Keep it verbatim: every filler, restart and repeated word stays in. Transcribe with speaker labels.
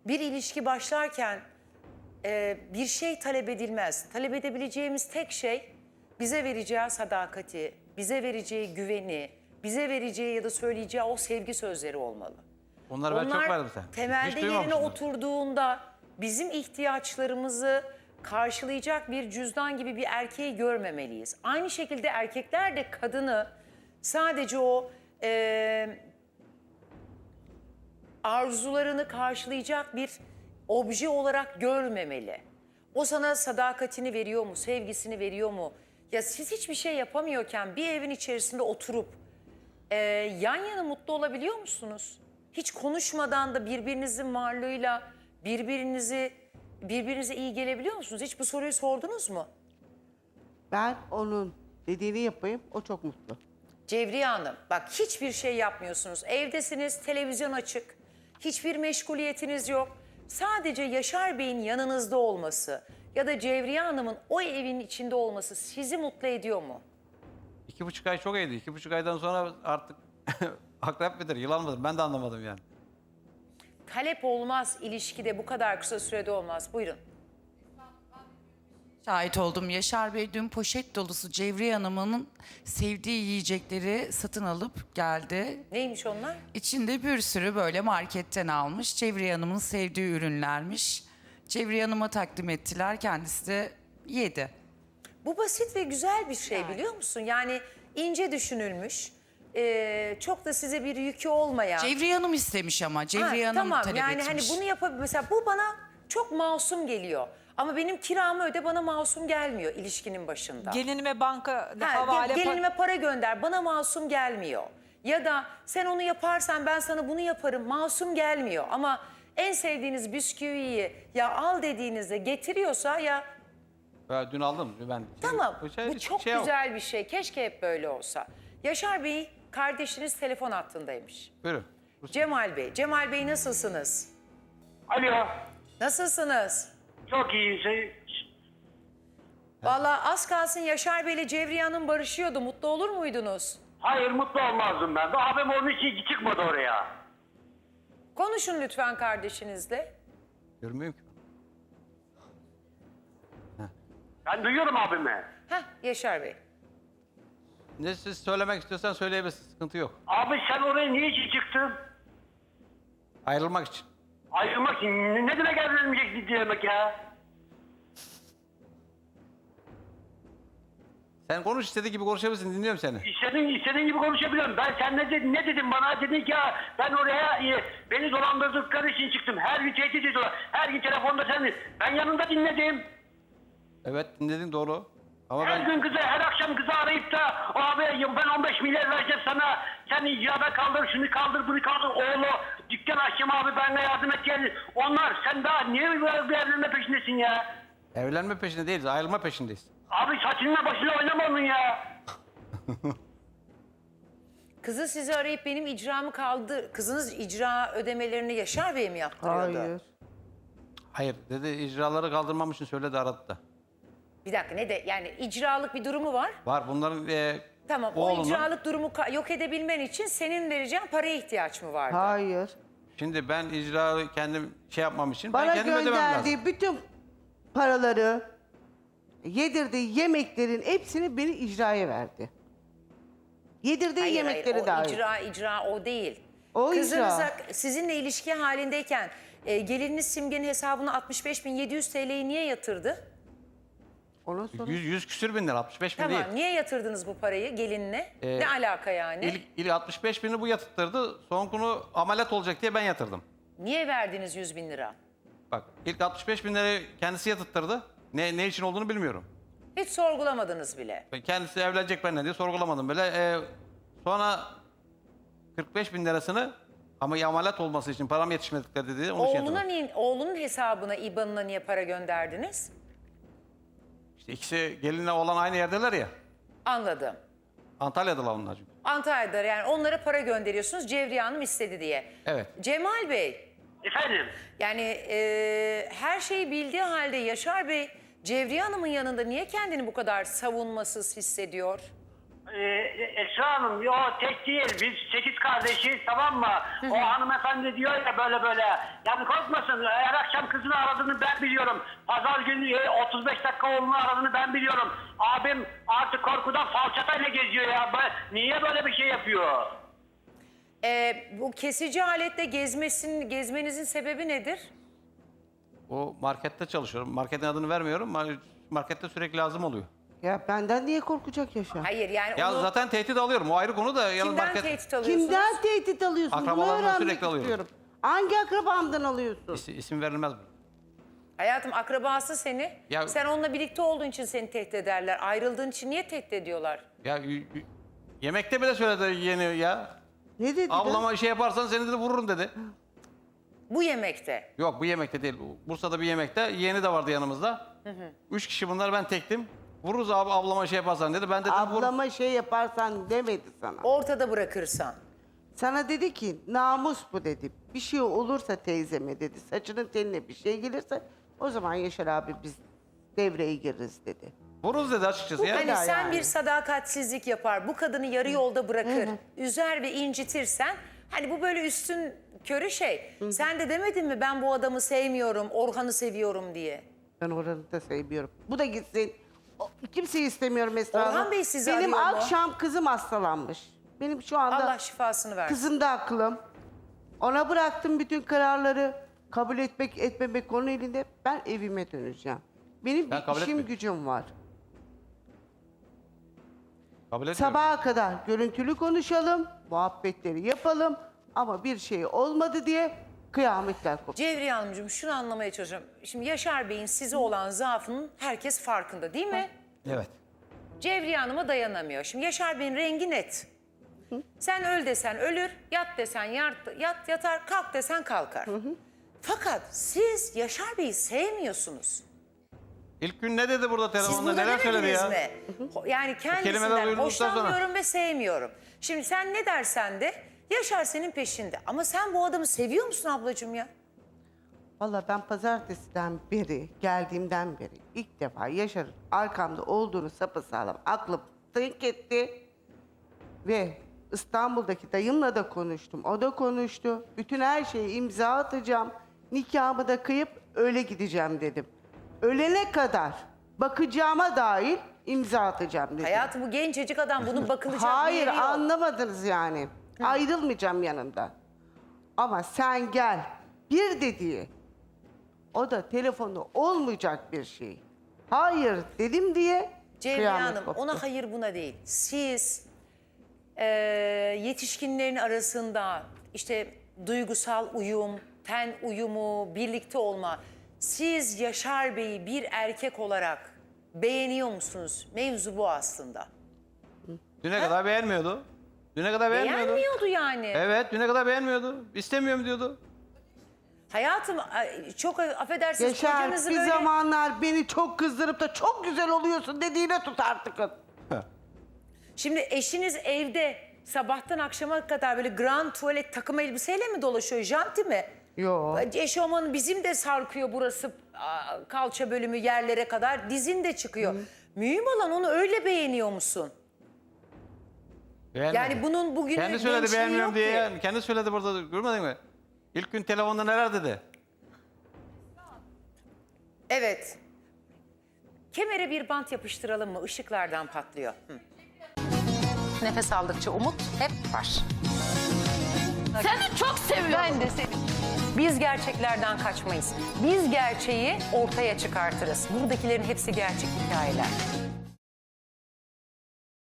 Speaker 1: bir ilişki başlarken e, bir şey talep edilmez. Talep edebileceğimiz tek şey bize vereceği sadakati, bize vereceği güveni, bize vereceği ya da söyleyeceği o sevgi sözleri olmalı.
Speaker 2: Onları ben çok verdim sen.
Speaker 1: temelde
Speaker 2: Hiç
Speaker 1: yerine
Speaker 2: duymamışsın.
Speaker 1: oturduğunda bizim ihtiyaçlarımızı karşılayacak bir cüzdan gibi bir erkeği görmemeliyiz. Aynı şekilde erkekler de kadını sadece o e, arzularını karşılayacak bir obje olarak görmemeli. O sana sadakatini veriyor mu, sevgisini veriyor mu? Ya siz hiçbir şey yapamıyorken bir evin içerisinde oturup e, yan yana mutlu olabiliyor musunuz? Hiç konuşmadan da birbirinizin varlığıyla birbirinizi birbirinize iyi gelebiliyor musunuz? Hiç bu soruyu sordunuz mu?
Speaker 3: Ben onun dediğini yapayım, o çok mutlu.
Speaker 1: Cevriye Hanım, bak hiçbir şey yapmıyorsunuz. Evdesiniz, televizyon açık. Hiçbir meşguliyetiniz yok. Sadece Yaşar Bey'in yanınızda olması ya da Cevriye Hanım'ın o evin içinde olması sizi mutlu ediyor mu?
Speaker 2: İki buçuk ay çok iyiydi. İki buçuk aydan sonra artık akrep midir, yılan mıdır? Ben de anlamadım yani.
Speaker 1: Talep olmaz ilişkide, bu kadar kısa sürede olmaz. Buyurun.
Speaker 4: Şahit oldum. Yaşar Bey dün poşet dolusu Cevriye Hanım'ın sevdiği yiyecekleri satın alıp geldi.
Speaker 1: Neymiş onlar?
Speaker 4: İçinde bir sürü böyle marketten almış. Cevriye Hanım'ın sevdiği ürünlermiş. Cevriye Hanım'a takdim ettiler. Kendisi de yedi.
Speaker 1: Bu basit ve güzel bir şey biliyor musun? Yani ince düşünülmüş, ee, çok da size bir yükü olmayan.
Speaker 4: Cevriye Hanım istemiş ama. Cevriye
Speaker 1: Ha,
Speaker 4: Hanım
Speaker 1: tamam
Speaker 4: talep
Speaker 1: yani
Speaker 4: etmiş.
Speaker 1: hani bunu yapabilir. Mesela bu bana çok masum geliyor. Ama benim kiramı öde, bana masum gelmiyor ilişkinin başında.
Speaker 5: Gelinime banka
Speaker 1: Ha,
Speaker 5: havale...
Speaker 1: gel- gelinime para gönder, bana masum gelmiyor. Ya da sen onu yaparsan ben sana bunu yaparım, masum gelmiyor. Ama en sevdiğiniz bisküviyi ya al dediğinizde getiriyorsa ya
Speaker 2: Ben dün aldım. Ben
Speaker 1: tamam,
Speaker 2: Bu şey-
Speaker 1: bu çok
Speaker 2: şey yok.
Speaker 1: güzel bir şey. Keşke hep böyle olsa. Yaşar Bey, kardeşiniz telefon hattındaymış.
Speaker 2: Buyurun.
Speaker 1: Cemal Bey, Cemal Bey nasılsınız?
Speaker 6: Alo.
Speaker 1: Nasılsınız?
Speaker 6: Çok iyi. Şey,
Speaker 1: Vallahi az kalsın Yaşar Bey ile Cevriye Hanım barışıyordu. Mutlu olur muydunuz?
Speaker 6: hayır mutlu olmazdım ben. Daha abim onun için çıkmadı oraya.
Speaker 1: Konuşun lütfen kardeşinizle.
Speaker 2: Görmüyorum ki.
Speaker 6: Ben duyuyorum abimi.
Speaker 1: Heh, Yaşar Bey.
Speaker 2: Ne siz söylemek istiyorsan söyleyebilirsin. Sıkıntı yok.
Speaker 6: Abi sen oraya niye için çıktın?
Speaker 2: Ayrılmak için.
Speaker 6: Ayrılmak için. Ne ne demek evlenmeyecek demek ya?
Speaker 2: Sen konuş, istediği gibi konuşabilirsin. Dinliyorum seni.
Speaker 6: İstediğin, istediğin gibi konuşabiliyorum. Ben sen ne dedin, ne dedin bana? Dedin ki ya ben oraya e, beni dolandırdıkları için çıktım. Her gün tehdit ediyorlar. Her gün telefonda sen. Ben yanında dinledim.
Speaker 2: Evet, dinledin doğru. Ama
Speaker 6: Her
Speaker 2: ben
Speaker 6: gün kızı, her akşam kızı arayıp da abi ben on beş milyar vereceğim sana. Sen icrada kaldır, şunu kaldır, bunu kaldır. Oğlu dükkan açacağım abi benimle yardım et gel. Onlar sen daha niye bir bir evlenme peşindesin ya?
Speaker 2: evlenme peşinde değiliz, ayrılma peşindeyiz.
Speaker 6: Abi saçınla başıyla oynama onun ya.
Speaker 1: Kızı sizi arayıp benim icramı kaldı. Kızınız icra ödemelerini Yaşar Bey mi yaptırıyordu?
Speaker 3: Hayır.
Speaker 2: Hayır, dedi icraları kaldırmam için söyledi, aradı da.
Speaker 1: Bir dakika ne de yani icralık bir durumu var.
Speaker 2: Var bunların e,
Speaker 1: Tamam o
Speaker 2: oğlunun...
Speaker 1: icralık durumu ka- yok edebilmen için senin vereceğin paraya ihtiyaç mı vardı?
Speaker 3: Hayır.
Speaker 2: Şimdi ben icrayı kendim şey yapmam için ben
Speaker 3: Bana
Speaker 2: kendim ödemem lazım.
Speaker 3: gönderdiği bütün paraları, yedirdiği yemeklerin hepsini beni icraya verdi. Yedirdiği
Speaker 1: Hayır,
Speaker 3: yemekleri
Speaker 1: hayır, o
Speaker 3: dahil.
Speaker 1: icra icra o değil.
Speaker 3: O
Speaker 1: Kızınıza
Speaker 3: icra.
Speaker 1: sizinle ilişki halindeyken e, gelininiz Simge'nin hesabına altmış beş bin yedi yüz T L'yi niye yatırdı?
Speaker 3: Ondan sonra
Speaker 2: yüz, yüz küsür bin lira, altmış beş bin
Speaker 1: Tamam
Speaker 2: değil.
Speaker 1: niye yatırdınız bu parayı gelinine?
Speaker 2: Ee,
Speaker 1: ne alaka yani?
Speaker 2: İlk, ilk altmış beş bini bu yatırttırdı. Son konu ameliyat olacak diye ben yatırdım.
Speaker 1: Niye verdiniz yüz bin lira?
Speaker 2: Bak ilk altmış beş bin lirayı kendisi yatırttırdı. Ne, ne için olduğunu bilmiyorum.
Speaker 1: Hiç sorgulamadınız bile.
Speaker 2: Ben kendisi evlenecek benimle diye sorgulamadım böyle. Ee, sonra kırk beş bin lirasını ama ya ameliyat olması için param yetişmedikleri dedi. Onu şey
Speaker 1: Oğluna
Speaker 2: yatırdım.
Speaker 1: niye, oğlunun hesabına, İ B A N'ına niye para gönderdiniz?
Speaker 2: İşte ikisi gelinle olan aynı yerdeler ya.
Speaker 1: Anladım.
Speaker 2: Antalya'dalar onlar çünkü.
Speaker 1: Antalya'da yani onlara para gönderiyorsunuz Cevriye Hanım istedi diye.
Speaker 2: Evet.
Speaker 1: Cemal Bey,
Speaker 6: Efendim?
Speaker 1: yani e, her şeyi bildiği halde Yaşar Bey Cevriye Hanım'ın yanında niye kendini bu kadar savunmasız hissediyor?
Speaker 6: Ee, Esra Hanım o tek değil, biz sekiz kardeşiz, tamam mı? O hanımefendi diyor ya böyle böyle, yani korkmasın, her akşam kızını aradığını ben biliyorum. Pazar günü e, otuz beş dakika oğlunu aradığını ben biliyorum. Abim artık korkudan falçatayla geziyor ya. Ben- niye böyle bir şey yapıyor?
Speaker 1: Ee, bu kesici aletle gezmesin, gezmenizin sebebi nedir?
Speaker 2: O markette çalışıyorum. Marketin adını vermiyorum. Mar- Markette sürekli lazım oluyor.
Speaker 3: Ya benden niye korkacak Yaşar?
Speaker 1: Hayır yani
Speaker 2: Ya
Speaker 1: onu
Speaker 2: zaten tehdit alıyorum. O ayrı konu da. Yalnız
Speaker 1: kimden
Speaker 2: market
Speaker 1: tehdit alıyorsunuz?
Speaker 3: Kimden tehdit alıyorsun? Bunu
Speaker 2: Akrabalarımdan
Speaker 3: öğrenmek
Speaker 2: sürekli alıyorum.
Speaker 3: istiyorum. Hangi akrabamdan alıyorsun?
Speaker 2: İs- isim verilmez mi?
Speaker 1: Hayatım akrabası seni.
Speaker 2: Ya-
Speaker 1: Sen onunla birlikte olduğun için seni tehdit ederler. Ayrıldığın için niye tehdit ediyorlar?
Speaker 2: Ya y- y- yemekte bile söyledi yeni ya.
Speaker 3: Ne dedi?
Speaker 2: Ablama şey yaparsan seni de vururum dedi.
Speaker 1: Bu yemekte.
Speaker 2: Yok bu yemekte değil. Bursa'da bir yemekte yeğeni de vardı yanımızda. Üç kişi bunlar, ben tektim. Vururuz abi ablama şey yaparsan dedi. Ben dedim vur.
Speaker 3: Ablama şey yaparsan demedi sana.
Speaker 1: Ortada bırakırsan.
Speaker 3: Sana dedi ki namus bu dedi. Bir şey olursa teyzeme dedi. Saçının teline bir şey gelirse o zaman Yaşar abi biz devreye gireriz dedi.
Speaker 2: Vururuz dedi açıkçası ya.
Speaker 1: Hani
Speaker 3: kadar
Speaker 1: sen
Speaker 3: yani.
Speaker 1: bir sadakatsizlik yapar, bu kadını yarı yolda bırakır, üzer ve incitirsen, hani bu böyle üstün körü şey. Sen de demedin mi ben bu adamı sevmiyorum, Orhan'ı seviyorum diye?
Speaker 3: Ben oranı da sevmiyorum. Bu da gitsin. O- Kimseyi istemiyorum Esra
Speaker 1: Orhan
Speaker 3: Hanım.
Speaker 1: Bey sizi
Speaker 3: Benim
Speaker 1: arıyor mu?
Speaker 3: akşam kızım hastalanmış. Benim şu anda
Speaker 1: Allah şifasını versin.
Speaker 3: kızım da aklım. Ona bıraktım bütün kararları. Kabul etmek etmemek onun elinde. Ben evime döneceğim. Benim
Speaker 2: Ben
Speaker 3: bir
Speaker 2: kabul
Speaker 3: işim
Speaker 2: etmiyorum.
Speaker 3: gücüm var.
Speaker 2: Kabul etmiyorum.
Speaker 3: Sabaha kadar görüntülü konuşalım, muhabbetleri yapalım. Ama bir şey olmadı diye kıyametler koptu.
Speaker 1: Cevriye Hanımcığım şunu anlamaya çalışıyorum. Şimdi Yaşar Bey'in size olan zaafının herkes farkında değil mi?
Speaker 2: Evet.
Speaker 1: Cevriye Hanım'a dayanamıyor. Şimdi Yaşar Bey'in rengi net. Sen öl desen ölür, yat desen yat, yat yatar, kalk desen kalkar. Fakat siz Yaşar Bey'i sevmiyorsunuz.
Speaker 2: İlk gün ne dedi burada
Speaker 1: Siz
Speaker 2: telefonda,
Speaker 1: bunu
Speaker 2: neler söyledi
Speaker 1: demediniz
Speaker 2: ya?
Speaker 1: mi? Ho- Yani
Speaker 2: kelimeler
Speaker 1: kendisinden
Speaker 2: duyduktan sonra.
Speaker 1: hoşlanmıyorum ve sevmiyorum. Şimdi sen ne dersen de Yaşar senin peşinde. Ama sen bu adamı seviyor musun ablacığım ya?
Speaker 3: Vallahi ben pazartesiden beri, geldiğimden beri ilk defa Yaşar'ın arkamda olduğunu sapasağlam aklım tınk etti. Ve İstanbul'daki dayımla da konuştum. O da konuştu. Bütün her şeye imza atacağım. Nikahımı da kıyıp öyle gideceğim dedim. Ölene kadar bakacağıma dair imza atacağım dedim.
Speaker 1: Hayatım bu gencecik adam bunun bakılacak bir
Speaker 3: Hayır
Speaker 1: yeri yok.
Speaker 3: anlamadınız yani. Ayrılmayacağım yanında. Ama sen gel bir dediği o da telefonu olmayacak bir şey. Hayır dedim diye
Speaker 1: Cevriye
Speaker 3: kıyamet
Speaker 1: Hanım
Speaker 3: koptu.
Speaker 1: ona hayır buna değil. Siz eee, yetişkinlerin arasında işte duygusal uyum, ten uyumu, birlikte olma. Siz Yaşar Bey'i bir erkek olarak beğeniyor musunuz? Mevzu bu aslında.
Speaker 2: Düne kadar beğenmiyordu. Düne kadar beğenmiyordu.
Speaker 1: Beğenmiyordu yani.
Speaker 2: Evet, düne kadar beğenmiyordu. İstemiyorum diyordu.
Speaker 1: Hayatım ay, çok affedersiniz
Speaker 3: Yaşar
Speaker 1: kocanızı
Speaker 3: bir
Speaker 1: böyle...
Speaker 3: zamanlar beni çok kızdırıp da çok güzel oluyorsun dediğine tut artık.
Speaker 1: Şimdi eşiniz evde sabahtan akşama kadar böyle grand tuvalet takım elbiseyle mi dolaşıyor? Janti mi?
Speaker 3: Yo.
Speaker 1: Eşofmanı bizim de sarkıyor burası aa, kalça bölümü yerlere kadar. Dizin de çıkıyor. Mühim olan onu öyle beğeniyor musun?
Speaker 2: Beğenmedi.
Speaker 1: Yani bunun bugünü
Speaker 2: Kendi söyledi
Speaker 1: gençliği
Speaker 2: beğenmiyorum
Speaker 1: yok
Speaker 2: diye.
Speaker 1: ki.
Speaker 2: Yani. Kendi söyledi burada, görmedin mi? İlk gün telefonda neler dedi?
Speaker 1: Evet. Kemere bir bant yapıştıralım mı? Işıklardan patlıyor. Hı. Nefes aldıkça umut hep var.
Speaker 5: Seni çok seviyorum.
Speaker 1: Ben de seni. Biz gerçeklerden kaçmayız. Biz gerçeği ortaya çıkartırız. Buradakilerin hepsi gerçek hikayeler.